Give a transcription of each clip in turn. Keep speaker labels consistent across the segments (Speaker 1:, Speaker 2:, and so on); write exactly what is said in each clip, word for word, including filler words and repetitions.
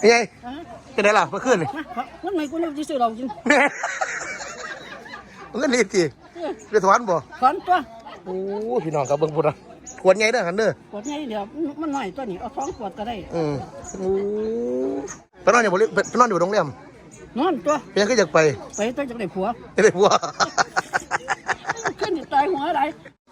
Speaker 1: ไงจะได้หรอเมื่อคืนเลย
Speaker 2: มันไม่กูเลือกที่ซื้อเรากิน
Speaker 1: เงินรีดจีเดือดถอนบ่
Speaker 2: ถอนตัว
Speaker 1: โอ้พี่น้องกับเบิ้งพุ่นนะขวดไงเด้อหันเด้อ
Speaker 2: ขวดไงเดี๋ยวมันหน่อยตัวนี้เอาสองขวดก็ได้
Speaker 1: อืมโอ้ไปนอนอยู่บริไปนอนอยู่โรงแรม
Speaker 2: นอนตัว
Speaker 1: ยังก็อยากไป
Speaker 2: ไปต้องจะได้ผัว
Speaker 1: จะได้ผัว
Speaker 2: ขึ้นตายหัวอะไร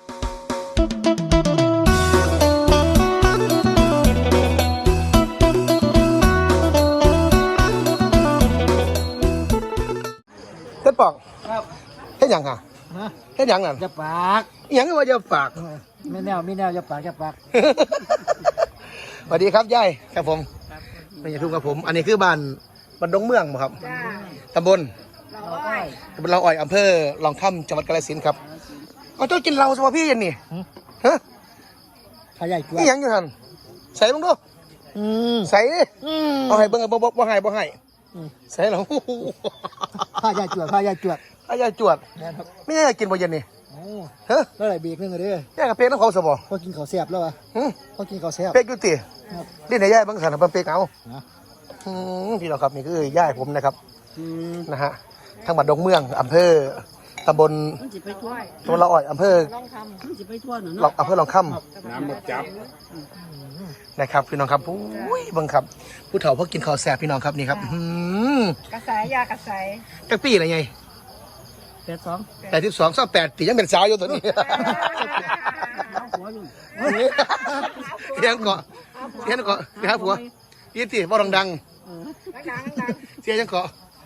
Speaker 1: เฮ็ดปอกเฮ็ดหยังค่ะเฮ็ดหยังนั่น
Speaker 2: จะปาก
Speaker 1: หยังว่าจะปาก
Speaker 2: ไม่แนวไม่แนวจะปากจะปาก
Speaker 1: สวัสดีครับยายครับผมไม่ใช่ทุ่งครับผมอันนี้คือบ้านบ้านดงเมืองครับตำบลตำบลเราอ้อยอำเภอลองค่ำจังหวัดกาฬสินธุ์ครับเอาเจ้ากินเราสวะพี่ยันนี่ฮะ
Speaker 2: ขยายตัว
Speaker 1: นี่ยังอยู่ท่านใส่ลงดูใส่เอาให้เบิ้งบ่บ่บ่ให้บ่ให้ใส่หรอ
Speaker 2: ผ้ายาจวดผ้ายาจวด
Speaker 1: ผ้ายาจวดไม่ได้กินบ่เย็นนี่
Speaker 2: ฮะแล้วอะไรเบรกนึงเลย
Speaker 1: ย่ากับเป๊กน้ำเขาสบอ
Speaker 2: พอกินข้าวแซ่บแล้ววะพอกินข้าวแซ่บ
Speaker 1: เป๊กยุตินี่ไหนย่าบางสันเป็นเป๊กเอาพี่น้องครับนี่คือย่าผมนะครับนะฮะทั้งบัดดงเมืองอำเภอตำบลตำบลละอ่อยอำเภอหลอกอำเภอลองค่ำ
Speaker 3: น้ำหมดจับ
Speaker 1: นะครับพี่น้องครับอุ้ยบังครับผู้เฒ่าพวกกินข้าวแซ่บพี่น้องครับนี่ครับ
Speaker 4: กระสายยากระสาย
Speaker 1: จักปีอะไรไง
Speaker 2: แปดสอง
Speaker 1: แปดสิบสองสามแปดปียังเป็นสาวอยู่ตัวนี้เสียงเกาะเสียงเกาะไปหาผัวยี่สิบว่าดังๆเสียงเกาะ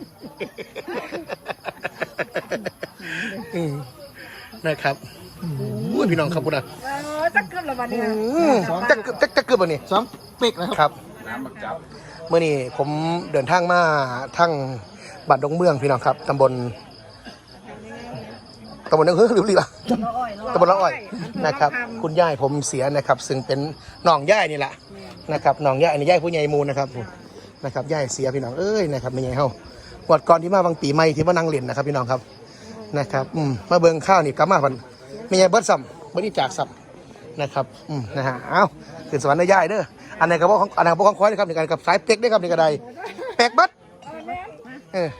Speaker 1: นะครับพี่น้องครับคุณนะ
Speaker 4: จักเกือบละวันนี้
Speaker 1: จักจักจักเกือบวันนี้
Speaker 2: สองเป๊กนะครับ
Speaker 3: น้ำหมดจับ
Speaker 1: เมื่อนี้ผมเดินทางมาทั้งบ้านดงเมืองพี่น้องครับตำบลตำบลนั่นคือหรือรีบอ่ะตำบลละอ้อยนะครับคุณย่ายผมเสียนะครับซึ่งเป็นน้องย่ายนี่แหละนะครับน้องย่ายนี่ย่ายผู้ใหญ่มูลนะครับนะครับย่ายเสียพี่น้องเอ้ยนะครับไม่ใหญ่เฮาวัดก่อนที่มาบางปีใหม่ที่มานั่งเล่นนะครับพี่น้องครับนะครับอืมมาเบิ่งข้าวนี่กลับมาพันไม่ใหญ่เบิดซ้ำเบิดนี่จากซ้ำนะครับอืมนะฮะเอ้าขึ้นสวรรค์ได้ย่ายเด้ออันไหนกับพวกอันไหนกับพวกของคอยนะครับในการกับสายเป็กได้ครับในกระไดเป็กเบิดเออ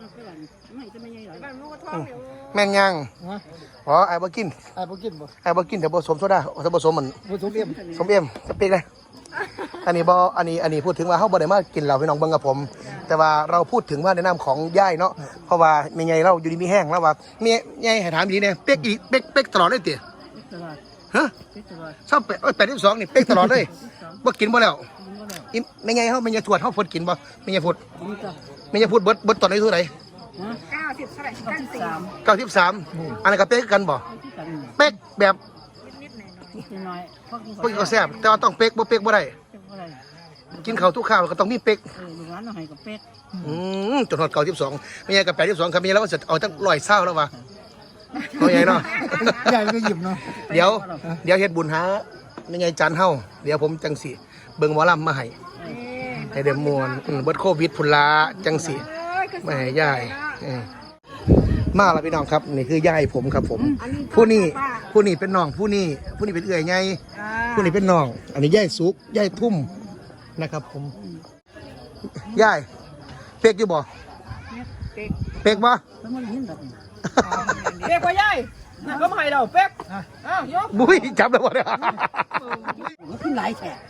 Speaker 1: แม่นยังอ๋อไอ้บ่กิน
Speaker 2: ไอ้บ่กินบ่
Speaker 1: ไอ้บ่กินแต่บ่สมโซดาแต่บ่สมมัน
Speaker 2: บ่สมเอ็ม
Speaker 1: สมเอ็มจะเป็กเลยอันนี้บ่อันนี้อันนี้พูดถึงว่าเฮาบ่ได้มากินเหล้าพี่น้องเบิ่งกับผมแต่ว่าเราพูดถึงว่าในนามของย่ายเนาะเพราะว่าแม่ใหญ่เราอยู่ดีมีแห้งแล้วว่าแม่ใหญ่ให้ถามดีเนี่ยเป็กอีเป็กเป็กตลอดเลยติฮะชอบเป็กเอ้ยแปดสิบสองนี่เป็กตลอดเลยบ่กินบ่แล้วอีแม่ใหญ่เฮาแม่ใหญ่ทวดเฮาพูดกินบ่แม่ใหญ่พูดแม่ใหญ่พูดเบิดเบิดตอนไหนเท่าไหร่
Speaker 4: เก้าสิบเท่าไหร่เก้าสิบสาม
Speaker 1: เก้าสิบสามอันนั้นก็เป๊กกันบ่เป๊กแบบ
Speaker 2: นิดหน่อยพ
Speaker 1: วกกินข้าวแซ่บแต่ว่าต้องเป๊กบ่เป๊กบ่ได้กินข้าวทุกข้าวก็ต้องมีเป๊ก
Speaker 2: เออลูกหลานเอาให้กับเป๊ก
Speaker 1: อืมจนฮอดเก้าสิบสองไม่ใช่กับแปดสิบสองครับมีแล้วว่าจะเอาตั้งร้อยเศร้าแล้ววะเอาใหญ่เนาะ
Speaker 2: ใหญ่ก็หยิบเนาะ
Speaker 1: เดี๋ยวเดี๋ยวเฮ็ดบุญหาไม่ใหญ่จานเฮาเดี๋ยวผมจังสิเบิ่งหมอลำมาให้ให้เดมวนเบิดโควิดพุ่นละจังสิมาให้ยายมาแล้วพี่น้องครับนี่คือยายผมครับผมผู้นี้ผู้นี้เป็นน้องผู้นี้ผู้นี้เป็นเอื้อยไงผู้นี้เป็นน้องอันนี้ยายสุกยายพุ่มนะครับผมยายเป๊กอยู่บ่เป๊กบ่
Speaker 4: เป๊กว่าใหญ่ก็ไม่เราเป๊กอ้าวยก
Speaker 1: บุ้ยจับแล้ววะเนี่ย
Speaker 2: ขึ้นหลายแฉก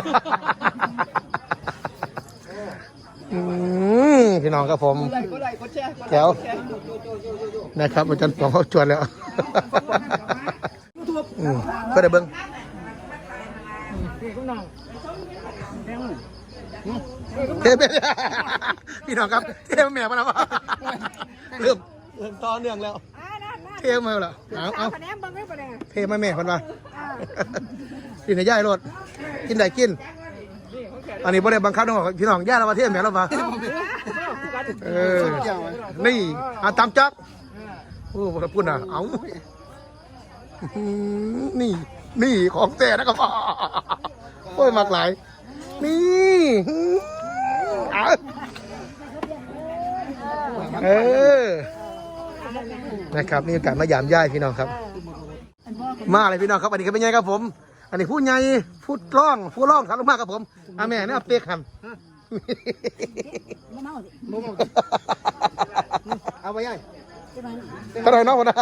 Speaker 1: พี่น้องครับผมแก้วนะครับอาจารย์ปองเขาชวนแล้วก็ได้เบิ้งเทปพี่น้องครับเทปแม่มาแล้วเริ่มเริ่มต่อเนื่องแล้วเทปมาแล้วเอาเอาเทปมาแม่คนมากินในย่ายรถกินได้กินอันนี้บ่ได้บังคับน้องพี่น้องย่าเรามาเทปแม่เรามาเออนี่อาตามจักโอ้ผมพูดนะเอานี่นี่ของแต่นะครับโอ้ยมากหลายนี่เออนะครับนี่การมายามย่ายพี่น้องครับมาเลยพี่น้องครับอันนี้ก็เป็นไงครับผมอันนี้ผู้ใหญ่ผู้ร่องผู้ร่องครับลงมากครับผมอาแม่เนี่ยเป๊กครับ
Speaker 2: บ่เมาสิ
Speaker 1: บ่บ่เอาไปย่าย
Speaker 2: จะมา
Speaker 1: เท่าไหร่เนาะบ่นะ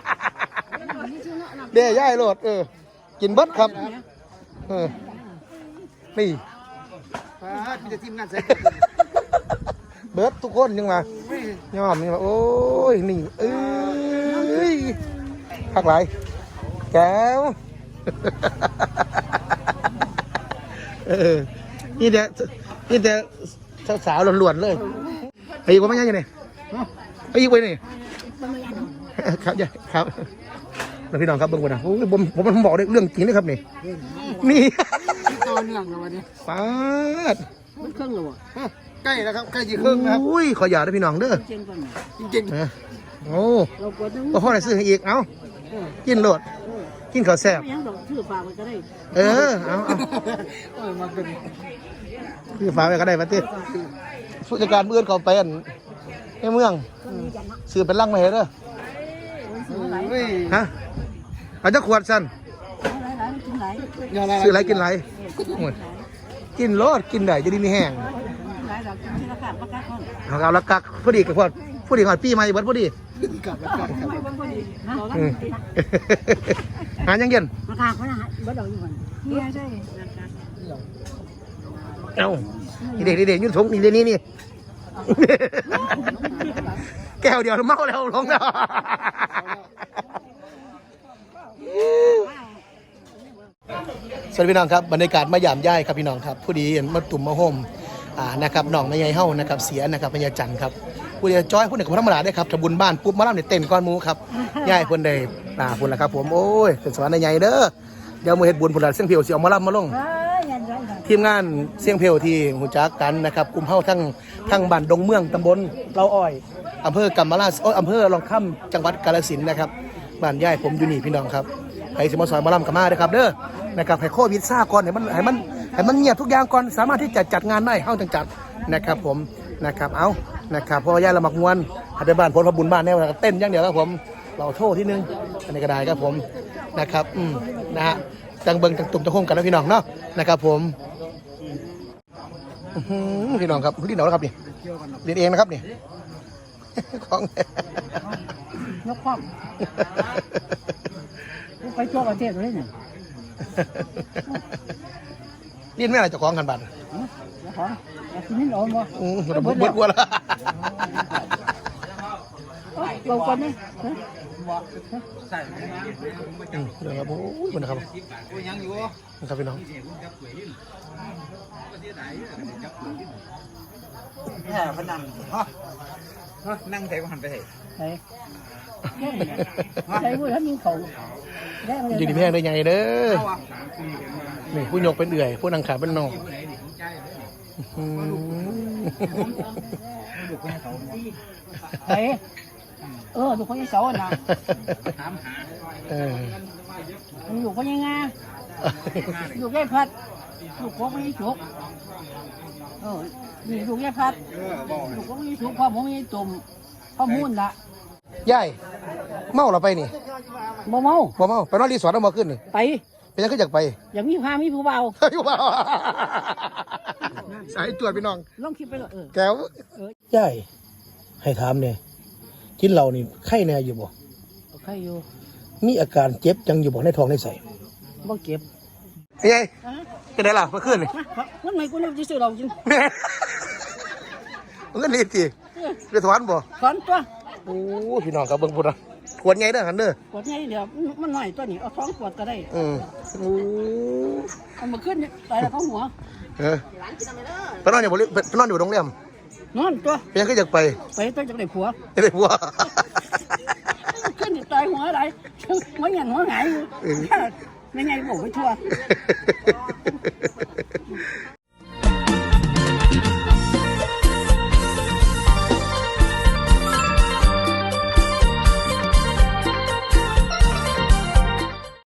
Speaker 1: เด้ย่ายโลดเออกินเบิดครับเออนี่พาพี่จะทีมงานใส่เบิดทุกคนยังมายอมยังมาโอ้ยนี่เอ้ยพักหลายแก้วเออนี่แต่นี่แต่สาวๆล้วนๆเลยไอ้อีกว่าไม่ใช่ยังไงไอ้อีกไว้นี่ครับยายครับแล้วพี่น้องครับเบิ่งก่อนนะโอ้ยผมผมผมบอกเรื่องจริงนะครับนี่นี่
Speaker 2: ต่อเนื่องแล้ววันนี้
Speaker 1: ปาด
Speaker 2: มันเครื่องแล้วอ่ะ
Speaker 1: ใกล้แล้วครับใกล้จีครึ่งนะครับอุ้ยขออย่าด้วยพี่น้องเด้อ
Speaker 2: เจนก่อน
Speaker 1: จริงๆโอ้
Speaker 2: เรากดนึง
Speaker 1: ก็พ่อได้ซื้อให้อีกเอ้ากินโหลดกินข้าวแซ่บ
Speaker 2: ยังดอกชื่อฝากมันก็ได้
Speaker 1: เออเอาเอา
Speaker 2: โอ้ยมาเป็น
Speaker 1: คือฝากไว้ก็ได้ปะติผู้จัดการเมื่อนเขาไปอันในเมืองซื้อเป็นลังมาให้เด้อ
Speaker 2: เฮ้ย
Speaker 1: ฮะเอาจะขวดสั้น
Speaker 2: หลายๆกินหลาย
Speaker 1: ซื้ออะไรกินไรโอ้ยกินโลดกินได้จะดีมีแห้ง
Speaker 2: หลายดอกกินที่ราคาประกาศก่อน
Speaker 1: เอาเอาละกักพอดีกับพอดพอดีก่อนปีใหม่เบิดพอดี
Speaker 2: กลับแล้วกันครับไม่บ่ดีนะ
Speaker 1: อืมหายังเย็น
Speaker 2: ราคาเขานะฮะบ่ดอกอยู่ก่อนนี่ใช่
Speaker 1: เอ้านี่เด็กนี่เด็กยุ่งทงนี่เด็กนี่นี่ แก้วเดียวเมาแล้วลงแล้วสวัสดีพี่น้องครับบรรยากาศมายามย่ายครับพี่น้องครับผู้ดีมาตุ่มมาโฮมอ่านะครับน้องแม่ใหญ่เฮานะครับเสียนะครับแม่ใหญ่จันครับผู้ดีจ้อยผู้หนึ่งกับธรรมดาได้ครับทำบุญบ้านปุ๊บมาล่ำเนี่ยเต้นก้อนหมูครับย่ายเพิ่นได้อ่าพุ่นละครับผมโอ้ยเป็นสวรรค์ใหญ่เด้อเดี๋ยวมือเฮ็ดบุญพุ่นละเสียงเพียวสิเอามาล่ำมาลง
Speaker 2: เอ้ยยันไรกัน
Speaker 1: ทีมงานเสียงเพลวที่หูจักกันนะครับกลุ่มเฮาทั้งทั้งบ้านดงเมืองตำบลเล่าอ้อยอำเภอกำมะลาโอ้ยอำเภอลองค่ำจังหวัดกาฬสินธุ์นะครับบ้านย่ายผมอยู่นี่พี่น้องครับใครสิมาซอยมาลำกับมาเด้อครับเด้อนะครับให้โควิดซ่าก่อนให้มันให้มันให้มันเงียบทุกอย่างก่อนสามารถที่จะจัดงานได้เฮาจังจัดนะครับผมนะครับเอานะครับเพราะว่าย่ายเรามักมวนหัดไปบ้านผลพบุญบ้านแน่เต้นอย่างเดียวครับผมเราโทษที่นึงอันนี้ก็ได้ครับผมนะครับอืมนะฮะจังเบิงจังตุ่มจังโค้งกันนะพี่น้องเนาะนะครับผมอื้อหือพี่น้องครับรีดเหนาแล้วครับนี่รีดเองนะครับนี่ของ
Speaker 2: ยกความไปทั่วประเทศเลยเนี่ย
Speaker 1: รีดไม่อะไรเจะคล้าของกันบัตร
Speaker 2: เดี๋ยวขออยากกินนิดหน่อยบ่
Speaker 1: อืมเบิดเบิดกลัวแล้ว
Speaker 2: เราคนนี้
Speaker 1: อืมเดี๋ยวครับโอ้ยมันนะครับนะครับพี่น้อง
Speaker 2: แค่พนัน
Speaker 4: นั่งใส่หันไปใส่
Speaker 2: ใช่ใช่พูดท่านยิงเขาแค่
Speaker 1: อยู่ดีแพงได้ไงเด้อนี่ผู้ยกเป็นเอื่อยผู้นางขาเป็นนองอืม
Speaker 2: ใช่เออดูคนยี่เสาน่ะ
Speaker 1: เออ
Speaker 2: มันอยู่คนยังไงอยู่แค่พัดลูกโค้งไม่ได้ฉุกเออนี่ลูกแค่พัดลูกโค้งไม่ได้ฉุกพ่อผมไม่ได้ตุ่มพ่อมุ่นละ
Speaker 1: ยายเมาเราไปนี่
Speaker 2: บ่เมา
Speaker 1: บ่เมาไปนอนรีสอร์ทแล้วมาขึ้นนี่
Speaker 2: ไป
Speaker 1: เป็นยังก็อยากไป
Speaker 2: อย่างมีพามีผู้เบา
Speaker 1: อยู่บ่สายตรวจพี่น้อง
Speaker 2: ลองคิดไปเลยเออ
Speaker 1: แก้วยายให้ถามเนี่ยกินเหล้านี่ไข้แน่อยู่บ่
Speaker 2: ใครอยู่
Speaker 1: มีอาการเจ็บจังอยู่บ่ในท้องในไส้
Speaker 2: บ่เก็บ
Speaker 1: ไอ้ยัยจะได้ล่ะเมื่อคืนนี่
Speaker 2: มันไม่กูนึกจะซื้อเราจริง
Speaker 1: เงินรีดสิเดือดถอนบ่
Speaker 2: ถอนตัว
Speaker 1: โอ้พี่น้องครับเบิ่งพุ่นนะขวดใหญ่เด้อหันเด้อก
Speaker 2: ดไงเดี๋ยวมันหน่อยตัวนี้เอาท้องกดก็ได้
Speaker 1: อืมโอ้
Speaker 2: เอามาขึ้นตายแล้วเขาหัว
Speaker 1: เออไปนอนอยู่บ่ไปนอนอยู่โรงแรม
Speaker 2: นอนตัว
Speaker 1: เป็นยังก็อยากไป
Speaker 2: ไปตัวจากไหนผัว
Speaker 1: จะได้ผัว
Speaker 2: ขึ้นตายหัวอะไรหัวหยันหัวหงายอยู่ไม่ไงบอกไปทั่ว